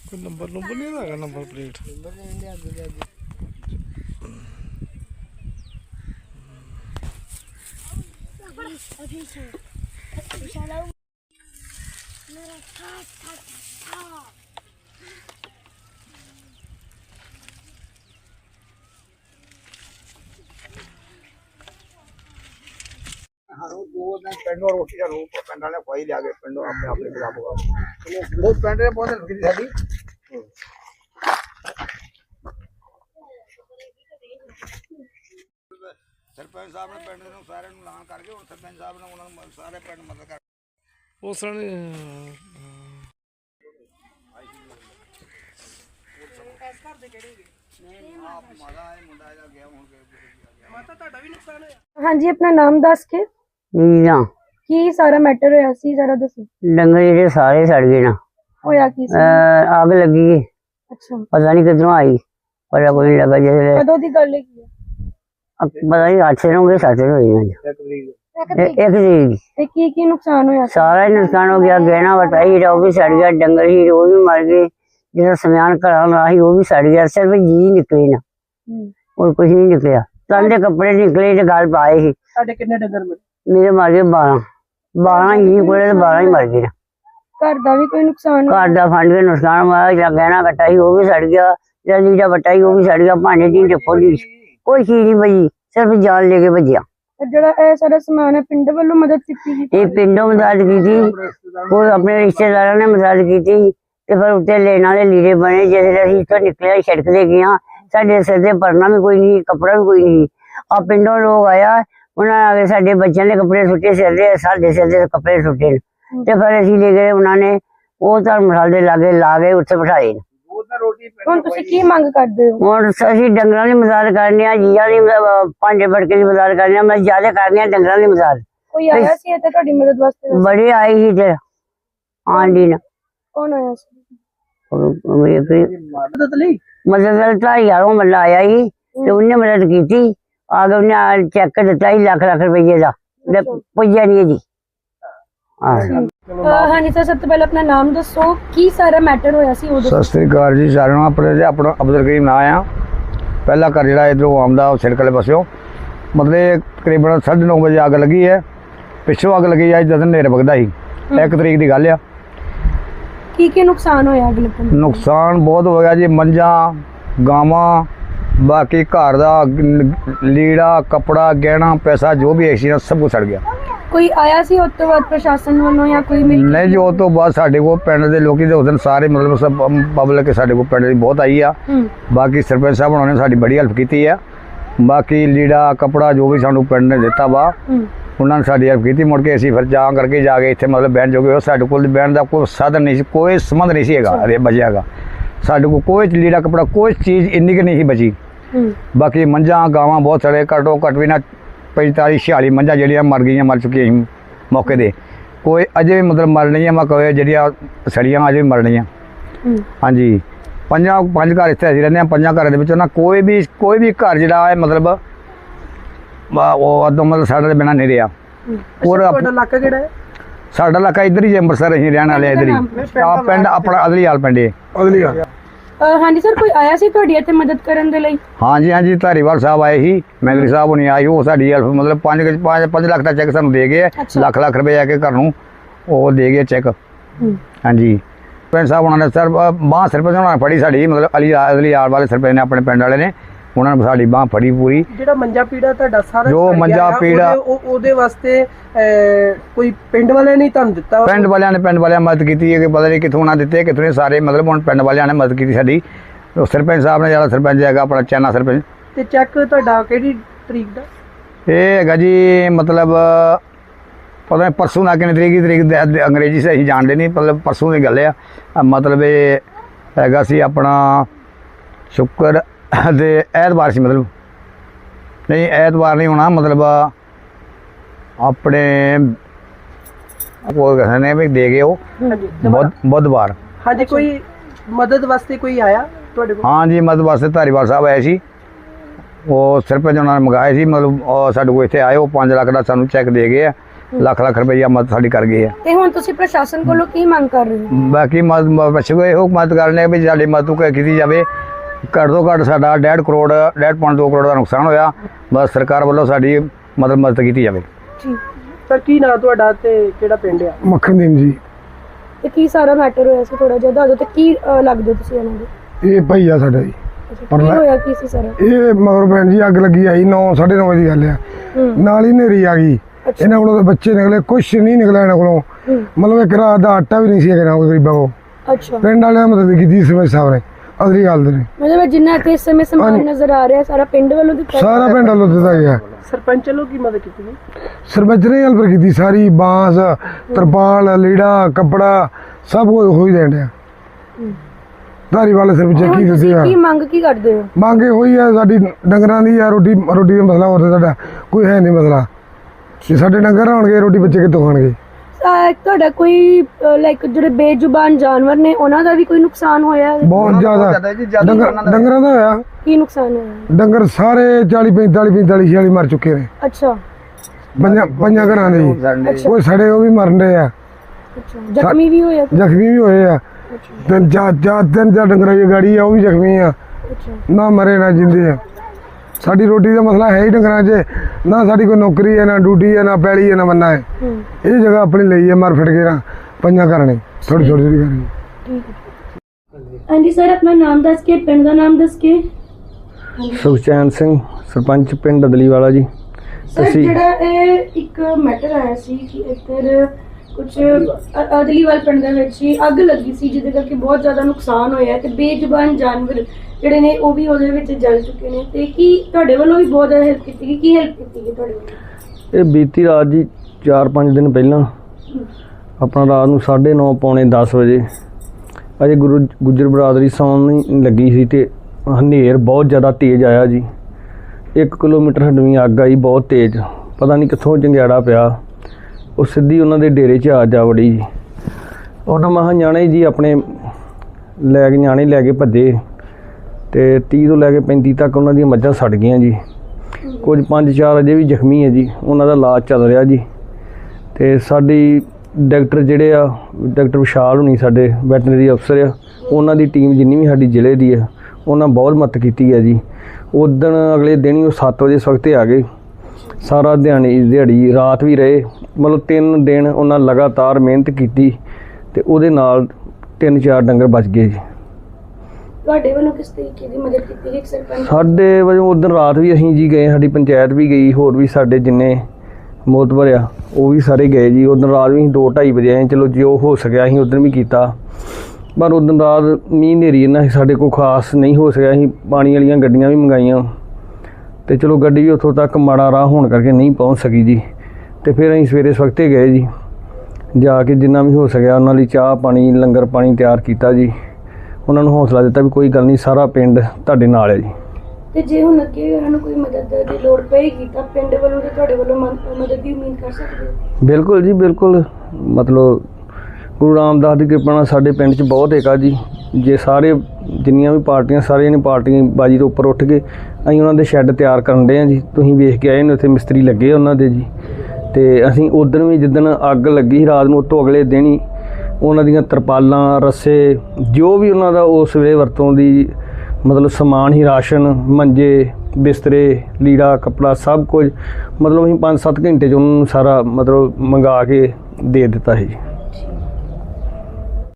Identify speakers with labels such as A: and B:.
A: Number number नहीं है number plate
B: पिंडों रोटी का रूप पिंड वाले खुआई लिया गए पिंडों अपने अपने खिलाफ बहुत पिंड ने बहुत हेल्प की साडी सरपंच साहब ने पिंड ਨੂੰ ਸਾਰਿਆਂ ਨੂੰ ਐਲਾਨ ਕਰਕੇ ਹੁਣ ਸਰਪੰਚ ਸਾਹਿਬ ਨੇ ਉਹਨਾਂ ਨੂੰ ਸਾਰੇ ਪਿੰਡ ਮਦਦ ਕਰ
A: ਉਸ ਨੇ
B: ਇਸ ਘਰ ਦੇ ਕਿਹੜੇ ਨਹੀਂ ਆਪ ਮਾਦਾ ਹੈ ਮੁੰਡਾ ਇਹਦਾ ਗਿਆ ਹੁਣ ਮਾਤਾ ਤੁਹਾਡਾ ਵੀ ਨੁਕਸਾਨ ਹੋਇਆ
C: हाँ जी अपना नाम दस के
D: नीला
C: की सारा मैटर होया सी सारा दसो
D: डंगर जेडे सारे सड़ गए ना।
C: होया की सी?
D: आग लगी
C: अच्छा
D: पता नहीं किधरों आई पता कोई नहीं लगा जैसे
C: कदों दी गल है
D: पता नहीं 8 दिन हो गए 7 दिन हो गए एक तरीक
C: ते की नुकसान होया सी?
D: सारा ही नुकसान हो गया गहना वटाई वो भी सड़ गया डंगर ही वो भी मर गए जिस समान घरा ही वो भी सड़ गया सिर्फ जी निकले ना और कुछ नहीं निकलिया तंदे कपड़े निकले ते गल पाए ही
C: साडे कितने डंगर मरे
D: मेरे मर गए 12 ही कोले 12 ही मर गए ना।
C: घर दा भी कोई नुकसान होया?
D: घर का फंड के नुकसान हुआ जहाँ गहना कटा ही वो भी सड़ गया जहाँ लीड़ा बटा ही वो भी सड़ गया भांडे दी खोली कोई चीज नहीं बची सिर्फ जान लेके भजिया।
C: ते जेड़ा ए सारा सामान है पिंड वालों मदद कीती
D: ये पिंडों मदद की थी कोई अपने रिश्तेदारों ने मदद की थी ते फिर उत्ते लेने वाले लीड़े बने जैसे असीं इत्थों निकले सड़क ते गए साडे सिर ते परना भी कोई नहीं कपड़ा भी कोई नहीं आ पिंडों लोग आया उन्होंने आके साडे बच्चों के कपड़े सुटे सिर ते साडे सिर ते कपड़े सुटे ते फिर असीं ले गए उन्होंने वो धर्मशाला दे लागे ला गए उत्थे बिठाए
C: हुण तुसीं की मंग करदे हो?
D: हुण असीं डंगरां दी मदद करने जीआं दी भांडे भड़के दी मदद करने मैं ज्यादा करने डंगरां दी मदद
C: कोई आया सी इत्थे तुहाडी मदद वास्ते?
D: बड़े आई ही ते आंडी ना
C: कौन आया सी
D: मदद ढाई यारों मतलब आया ही ते उन्हें मदद की थी आगे उन्हें चेक दिता ही लाख रुपये का पुज्जा नहीं जी।
C: हाँ जी सर सबसे पहले अपना नाम दसो की सारा मैटर होया सी उदों?
B: सत श्री अकाल जी सारे अपना अब्दुल करीम ना आ पहला घर जो इधरों आमदा सिड़क वाले पासों मतलब तकरीबन 9:30 बजे अग लगी है पिछों अग लगी है जद नेर बगदा ही 1 तरीक की गल आ
C: की नुकसान होया अग लगन?
B: नुकसान बहुत हो गया जी मंझा गावां बाकी घर का लीड़ा कपड़ा गहना पैसा जो भी एक्सीडेंट सब कुछ सड़ गया।
C: कोई आया सी उस तो बाद प्रशासन वालों या कोई मिल
B: नहीं जी उस तो बाद साढ़े को पिंड के लोग उस दिन सारे मतलब सब पब्लिक साढ़े को पिंड की बहुत आई है बाकी सरपंच साहब उन्होंने साड़ी बड़ी हेल्प की है बाकी लीड़ा कपड़ा जो भी सानू पिंड ने दिता वा उन्होंने साड़ी हेल्प की मुड़ के असीं फिर जा करके जाके इत्थे मतलब बहन जोगे साढ़े कोल बहन का कोई साधन नहीं कोई संबंध नहीं है बचया साढ़े को कोई लीड़ा कपड़ा कोई चीज़ इन्नी की नहीं बची बाकी मंझा गावां बहुत सड़े घटो घट भी ना 45-46 मंझा जड़ियाँ मर गई मर चुकी मौके दे कोई अजे भी मतलब मर नहीं है मैं कहे जड़ियाँ सड़ियाँ अजे भी मर रही हाँ जी 5 घर इतने असीं रहंदे 5 घरों के ना कोई भी घर जो है मतलब वो अदों मतलब साढ़े बिना नहीं रहा और साडा इलाका इधर ही अंमृतसर असीं रहने वाले इधर ही पिंड अपना अदलीवाल पिंड है अदलीवाल।
C: हाँ जी सर कोई आया सी तुहाडी इत्थे मदद करन दे लई?
B: हाँ जी धारीवाल साहब आए ही मैगरी साहब होनी आई वो साड़ी हेल्प मतलब 5 लाख का चैक सानू दे गए लाख रुपये आके घर नूं वो दे गए चैक। हाँ जी सरपंच साहब उन्होंने सर बांह सरपंच उन्होंने फड़ी साड़ी मतलब अदलीवाल वाले सरपंच ने अपने पिंड वाले ने उन्होंने साड़ी बांह फड़ी पूरी
E: ਜਿਹੜਾ ਮੰਜਾ ਪੀੜਾ ਤੁਹਾਡਾ ਸਾਰਾ
B: ਜੋ ਮੰਜਾ ਪੀੜਾ
E: ਉਹਦੇ ਵਾਸਤੇ ਕੋਈ ਪਿੰਡ ਵਾਲਿਆਂ ਨੇ ਤੁਹਾਨੂੰ ਦਿੱਤਾ
B: पिंड वाले मदद की है कि पता नहीं कितों ना दिते कितों नहीं सारे मतलब हम पिंड वाले ने मदद की साड़ी सरपंच साहब ने जरा सरपंच है अपना चैना सरपंच
E: ਤੇ ਚੈੱਕ ਤੁਹਾਡਾ ਕਿਹੜੀ ਤਰੀਕ ਦਾ
B: ये है जी मतलब पता नहीं परसों ना कितनी तरीक अंग्रेजी से असीं जानते नहीं मतलब परसों की गल है मतलब ये हैगा सी अपना शुक्र ते ऐतवार सी मतलब नहीं ऐतवार नहीं होना मतलब अपने वो कहने भी दे गए वो बुधवार।
E: हाँ जी कोई मदद वास्ते कोई आया ਤੁਹਾਡੇ ਕੋਲ?
B: हाँ जी मदद वास्ते धारीवाल साहब आए सी वो सरपंच उन्होंने मंगाए सी मतलब साढ़े को इतने आए वो 5 लाख का सानू चैक दे गए ਲੱਖ ਲੱਖ ਰੁਪਈਆ ਮਦਦ ਸਾਡੀ ਕਰ ਗਏ ਆ।
C: ਤੇ ਹੁਣ ਤੁਸੀਂ ਪ੍ਰਸ਼ਾਸਨ ਕੋਲੋਂ ਕੀ ਮੰਗ ਕਰ ਰਹੇ ਹੋ?
B: ਬਾਕੀ ਬਚੋ ਇਹੋ ਮਦਦ ਕਰਨੇ ਵੀ ਸਾਡੀ ਮਦਦ ਕੀਤੀ ਜਾਵੇ। ਘੱਟ ਤੋਂ ਘੱਟ ਸਾਡਾ 1.5 ਕਰੋੜ 1.5 ਕਰੋੜ ਦਾ ਨੁਕਸਾਨ ਹੋਇਆ, ਬਸ ਸਰਕਾਰ ਵੱਲੋਂ ਸਾਡੀ ਮਦਦ ਕੀਤੀ ਜਾਵੇ।
C: ਜੀ
E: ਸਰ ਕੀ ਨਾਂ ਤੁਹਾਡਾ ਤੇ ਕਿਹੜਾ ਪਿੰਡ ਆ?
F: ਮੱਖਣ ਦੇਵ ਜੀ।
C: ਤੇ ਕੀ ਸਾਰਾ ਮੈਟਰ ਹੋਇਆ ਸੀ, ਥੋੜਾ ਜਿਹਾ ਦੱਸ ਦਿਓ। ਤੇ ਕੀ ਲੱਗਦੇ ਤੁਸੀਂ ਉਹਨਾਂ ਦੇ?
F: ਇਹ ਭਾਈ ਆ ਸਾਡਾ ਜੀ।
C: ਕੀ ਹੋਇਆ ਕੀ ਸੀ ਸਾਰਾ?
F: ਇਹ ਮਗਰ ਭੈਣ ਜੀ ਅੱਗ ਲੱਗੀ ਆਈ 9:30 ਵਜੇ ਦੀ ਗੱਲ ਆ। ਨਾਲ ਹੀ ਹਨੇਰੀ ਆ ਗਈ। ਇਹਨਾਂ ਕੋਲੋਂ ਤਾਂ ਬੱਚੇ ਨਿਕਲੇ, ਕੁਛ ਨਹੀਂ ਨਿਕਲਿਆ ਇਹਨਾਂ ਕੋਲੋਂ। ਮਤਲਬ ਇੱਕ ਰਾਤ ਦਾ ਆਟਾ ਵੀ ਨਹੀਂ ਸੀ ਹੈਗਾ ਗਰੀਬਾਂ ਕੋਲ।
C: ਅੱਛਾ,
F: ਪਿੰਡ ਵਾਲਿਆਂ ਨੇ ਮਦਦ ਕੀਤੀ ਸਰਪੰਚ ਸਾਹਿਬ ਨੇ। ਅਸਲੀ ਗੱਲ ਦੇ
C: ਮਤਲਬ ਜਿੰਨਾ ਇੱਥੇ ਇਸ ਸਮੇਂ ਸਮਾਨ ਨਜ਼ਰ ਆ ਰਿਹਾ ਸਾਰਾ ਪਿੰਡ ਵੱਲੋਂ ਦਿੱਤਾ?
F: ਸਾਰਾ ਪਿੰਡ ਵੱਲੋਂ ਦਿੱਤਾ ਗਿਆ।
E: ਸਰਪੰਚ ਵੱਲੋਂ ਕੀ ਮਦਦ ਕੀਤੀ ਗਈ?
F: ਸਰਪੰਚ ਨੇ ਹੈਲਪ ਕੀਤੀ ਸਾਰੀ, ਬਾਂਸ, ਤਰਪਾਲ, ਲੀੜਾ, ਕੱਪੜਾ ਸਭ ਕੁਝ ਹੋ ਹੀ ਦੇਣ ਡਿਆ। ਧਾਰੀਵਾਲ ਸਰਪੰਚ ਕੀ ਦਿੱਤੇ ਆ।
C: ਕੀ ਮੰਗ ਕੀ ਕਰਦੇ ਹੋ?
F: ਮੰਗ ਇਹ ਹੋਈ ਆ ਸਾਡੀ ਡੰਗਰਾਂ ਦੀ ਆ, ਰੋਟੀ ਦਾ ਮਸਲਾ ਹੋਰ ਤਾਂ ਸਾਡਾ ਕੋਈ ਹੈ ਨਹੀਂ ਮਸਲਾ। ਜੇ ਸਾਡੇ ਡੰਗਰ ਹੋਣਗੇ ਰੋਟੀ ਬੱਚੇ ਕਿੱਥੋਂ ਖਾਣਗੇ?
C: ਤੁਹਾਡਾ ਕੋਈ ਲਾਈਕ ਜਿਹੜੇ ਬੇਜ਼ੁਬਾਨ ਜਾਨਵਰ ਨੇ ਉਹਨਾਂ ਦਾ ਵੀ ਕੋਈ ਨੁਕਸਾਨ ਹੋਇਆ?
F: ਬਹੁਤ ਜ਼ਿਆਦਾ ਡੰਗਰਾਂ ਦਾ ਹੋਇਆ।
C: ਕੀ ਨੁਕਸਾਨ ਹੋਇਆ?
F: ਡੰਗਰ ਸਾਰੇ 40 45 46 ਮਰ ਚੁੱਕੇ ਨੇ।
C: ਅੱਛਾ
F: ਪੰਜਾਂ ਘਰਾਂ ਦੇ ਜੀ। ਕੋਈ ਸੜੇ ਉਹ ਵੀ ਮਰਨ ਦੇ ਆ,
C: ਅੱਛਾ। ਜ਼ਖਮੀ ਵੀ ਹੋਇਆ?
F: ਜ਼ਖਮੀ ਵੀ ਹੋਏ ਆ। ਤਿੰਨ ਚਾਰ ਡੰਗਰਾਂ ਦੀ ਗਾੜੀ ਆ, ਉਹ ਵੀ ਜ਼ਖਮੀ ਆ।
C: ਅੱਛਾ,
F: ਨਾ ਮਰੇ ਨਾ ਜਿੰਦੇ ਆ। ਸਾਡੀ ਰੋਟੀ ਦਾ ਮਸਲਾ ਹੈ ਹੀ ਡੰਗਰਾਂ 'ਚ। ਨਾ ਸਾਡੀ ਕੋਈ ਨੌਕਰੀ ਹੈ, ਨਾ ਡਿਊਟੀ ਹੈ, ਨਾ ਪੈਲੀ ਹੈ, ਨਾ ਮੰਨਾ ਹੈ। ਇਹ ਜਗ੍ਹਾ ਆਪਣੀ ਲਈ ਹੈ, ਮਰ ਫਿਟ ਕੇ ਨਾ ਪੰਜਾਂ ਘਰਾਂ ਨੇ ਥੋੜੀ ਥੋੜੀ ਕਰਨੀ।
C: ਠੀਕ ਹੈ। ਹਾਂਜੀ ਸਰ, ਆਪਣਾ ਨਾਮ ਦੱਸ ਕੇ ਪਿੰਡ ਦਾ ਨਾਮ ਦੱਸ ਕੇ।
A: ਸੁਖਚੈਨ ਸਿੰਘ, ਸਰਪੰਚ ਪਿੰਡ ਦਲੀਵਾਲਾ ਜੀ।
C: ਸਰ ਜਿਹੜਾ ਇਹ ਇੱਕ ਮੈਟਰ ਆਇਆ ਸੀ ਕਿ ਇੱਧਰ ਕੁਝ ਦਲੀਵਾਲ ਪਿੰਡ ਦੇ ਵਿੱਚ ਹੀ ਅੱਗ ਲੱਗੀ ਸੀ, ਜਿਹਦੇ ਕਰਕੇ ਬਹੁਤ ਜ਼ਿਆਦਾ ਨੁਕਸਾਨ ਹੋਇਆ ਤੇ ਬੇਜ਼ੁਬਾਨ ਜਾਨਵਰ ਜਿਹੜੇ ਨੇ ਉਹ ਵੀ ਉਹਦੇ ਵਿੱਚ ਜਲ ਚੁੱਕੇ ਨੇ। ਤੇ ਕੀ ਤੁਹਾਡੇ ਵੱਲੋਂ ਵੀ ਬਹੁਤ ਜ਼ਿਆਦਾ ਹੈਲਪ ਕੀਤੀ ਗਈ? ਕੀ ਹੈਲਪ ਕੀਤੀ ਗਈ ਤੁਹਾਡੇ ਵੱਲੋਂ?
A: ਇਹ ਬੀਤੀ ਰਾਤ ਜੀ 4-5 ਦਿਨ ਪਹਿਲਾਂ ਆਪਣਾ ਰਾਤ ਨੂੰ 9:30 ਪੌਣੇ 10 ਵਜੇ ਅਜੇ ਗੁੱਜਰ ਬਰਾਦਰੀ ਸੌਣ ਨਹੀਂ ਲੱਗੀ ਸੀ ਤੇ ਹਨੇਰ ਬਹੁਤ ਜ਼ਿਆਦਾ ਤੇਜ਼ ਆਇਆ ਜੀ। 1 ਕਿਲੋਮੀਟਰ ਹਟਵੀਂ ਅੱਗ ਆਈ ਬਹੁਤ ਤੇਜ਼, ਪਤਾ ਨਹੀਂ ਕਿੱਥੋਂ ਜੰਗਿਆੜਾ ਪਿਆ। ਉਹ ਸਿੱਧੀ ਉਹਨਾਂ ਦੇ ਡੇਰੇ 'ਚ ਆ ਜਾ ਵੜੀ ਜੀ। ਉਹਨਾਂ ਮਹਾਂ ਨਿਆਣੇ ਜੀ ਆਪਣੇ ਨਿਆਣੇ ਲੈ ਕੇ ਭੱਜੇ ਤੇ 30 ਤੋਂ ਲੈ ਕੇ 35 ਤੱਕ ਉਹਨਾਂ ਦੀਆਂ ਮੱਝਾਂ ਸੜ ਗਈਆਂ ਜੀ। ਕੁਝ 5-4 ਅਜੇ ਵੀ ਜ਼ਖਮੀ ਹੈ ਜੀ, ਉਹਨਾਂ ਦਾ ਇਲਾਜ ਚੱਲ ਰਿਹਾ ਜੀ। ਤੇ ਸਾਡੀ ਡਾਕਟਰ ਜਿਹੜੇ ਆ, ਡਾਕਟਰ ਵਿਸ਼ਾਲ ਹੋਣੀ ਸਾਡੇ ਵੈਟਰਨਰੀ ਅਫਸਰ ਆ, ਉਹਨਾਂ ਦੀ ਟੀਮ ਜਿੰਨੀ ਵੀ ਸਾਡੀ ਜ਼ਿਲ੍ਹੇ ਦੀ ਆ, ਉਹਨਾਂ ਬਹੁਤ ਮਦਦ ਕੀਤੀ ਹੈ ਜੀ। ਉਦਣ ਅਗਲੇ ਦਿਨ ਹੀ ਉਹ 7 ਵਜੇ ਸਵਖਤੇ ਆ ਗਏ। ਸਾਰਾ ਦਿਹਾੜੀ ਰਾਤ ਵੀ ਰਹੇ, ਮਤਲਬ 3 ਦਿਨ ਉਹਨਾਂ ਲਗਾਤਾਰ ਮਿਹਨਤ ਕੀਤੀ ਤੇ ਉਹਦੇ ਨਾਲ 3-4 ਡੰਗਰ ਬਚ ਗਏ ਜੀ।
C: ਤੁਹਾਡੇ ਵੱਲੋਂ ਕਿਸ ਤਰੀਕੇ ਦੀ ਮਦਦ ਕੀਤੀ ਗਈ ਸਰਪੰਚ?
A: ਸਾਡੇ ਵਜੋਂ ਉਦੋਂ ਰਾਤ ਵੀ ਅਸੀਂ ਜੀ ਗਏ, ਸਾਡੀ ਪੰਚਾਇਤ ਵੀ ਗਈ, ਹੋਰ ਵੀ ਸਾਡੇ ਜਿੰਨੇ ਮੋਤਬਰ ਆ ਉਹ ਵੀ ਸਾਰੇ ਗਏ ਜੀ। ਉਦੋਂ ਰਾਤ ਵੀ ਅਸੀਂ 2-2:30 ਵਜੇ ਆਏ। ਚਲੋ ਜੋ ਹੋ ਸਕਿਆ ਅਸੀਂ ਉਦੋਂ ਵੀ ਕੀਤਾ, ਪਰ ਉਦੋਂ ਰਾਤ ਮੀਂਹ ਹਨੇਰੀ ਇਹਨਾਂ ਸਾਡੇ ਕੋਲ ਖਾਸ ਨਹੀਂ ਹੋ ਸਕਿਆ। ਅਸੀਂ ਪਾਣੀ ਵਾਲੀਆਂ ਗੱਡੀਆਂ ਵੀ ਮੰਗਾਈਆਂ ਤੇ ਚਲੋ ਗੱਡੀ ਵੀ ਉੱਥੋਂ ਤੱਕ ਮਾੜਾ ਰਾਹ ਹੋਣ ਕਰਕੇ ਨਹੀਂ ਪਹੁੰਚ ਸਕੀ ਜੀ। ਤੇ ਫਿਰ ਅਸੀਂ ਸਵੇਰੇ ਸਵਖਤੇ ਗਏ ਜੀ, ਜਾ ਕੇ ਜਿੰਨਾ ਵੀ ਹੋ ਸਕਿਆ ਉਹਨਾਂ ਲਈ ਚਾਹ ਪਾਣੀ ਲੰਗਰ ਪਾਣੀ ਤਿਆਰ ਕੀਤਾ ਜੀ। ਉਹਨਾਂ ਨੂੰ ਹੌਸਲਾ ਦਿੱਤਾ ਵੀ ਕੋਈ ਗੱਲ ਨਹੀਂ, ਸਾਰਾ ਪਿੰਡ ਤੁਹਾਡੇ ਨਾਲ ਹੈ ਜੀ।
C: ਤੇ ਜੇ ਹੁਣ ਅੱਗੇ ਉਹਨਾਂ ਨੂੰ ਕੋਈ ਮਦਦ ਦੀ ਲੋੜ ਪਏਗੀ ਤਾਂ ਪਿੰਡ ਵੱਲੋਂ ਤੇ ਤੁਹਾਡੇ ਵੱਲੋਂ ਮਦਦ ਦੀ ਉਮੀਦ ਕਰ ਸਕਦੇ ਹੋ?
A: ਬਿਲਕੁਲ ਜੀ ਬਿਲਕੁਲ। ਮਤਲਬ ਗੁਰੂ ਰਾਮਦਾਸ ਦੀ ਕਿਰਪਾ ਨਾਲ ਸਾਡੇ ਪਿੰਡ 'ਚ ਬਹੁਤ ਏਕਾ ਜੀ। ਜੇ ਸਾਰੇ ਜਿੰਨੀਆਂ ਵੀ ਪਾਰਟੀਆਂ ਸਾਰੀਆਂ ਨੇ ਪਾਰਟੀਆਂ ਬਾਜੀ ਤੋਂ ਉੱਪਰ ਉੱਠ ਕੇ ਅਸੀਂ ਉਹਨਾਂ ਦੇ ਸ਼ੈੱਡ ਤਿਆਰ ਕਰਨ ਦੇ ਹਾਂ ਜੀ। ਤੁਸੀਂ ਵੇਖ ਕੇ ਆਏ ਨੇ ਉੱਥੇ ਮਿਸਤਰੀ ਲੱਗੇ ਉਹਨਾਂ ਦੇ ਜੀ। ਤੇ ਅਸੀਂ ਉਦੋਂ ਵੀ ਜਿੱਦਣ ਅੱਗ ਲੱਗੀ ਸੀ ਰਾਤ ਨੂੰ, ਉਹ ਤੋਂ ਅਗਲੇ ਦਿਨ ਹੀ ਉਹਨਾਂ ਦੀਆਂ ਤਰਪਾਲਾਂ, ਰੱਸੇ, ਜੋ ਵੀ ਉਹਨਾਂ ਦਾ ਉਸ ਵੇਲੇ ਵਰਤੋਂ ਦੀ ਮਤਲਬ ਸਮਾਨ ਹੀ, ਰਾਸ਼ਨ, ਮੰਜੇ, ਬਿਸਤਰੇ, ਲੀੜਾ, ਕੱਪੜਾ ਸਭ ਕੁਝ ਮਤਲਬ ਅਸੀਂ 5-7 ਘੰਟੇ 'ਚ ਉਹਨਾਂ ਨੂੰ ਸਾਰਾ ਮਤਲਬ ਮੰਗਾ ਕੇ ਦੇ ਦਿੱਤਾ ਸੀ ਜੀ।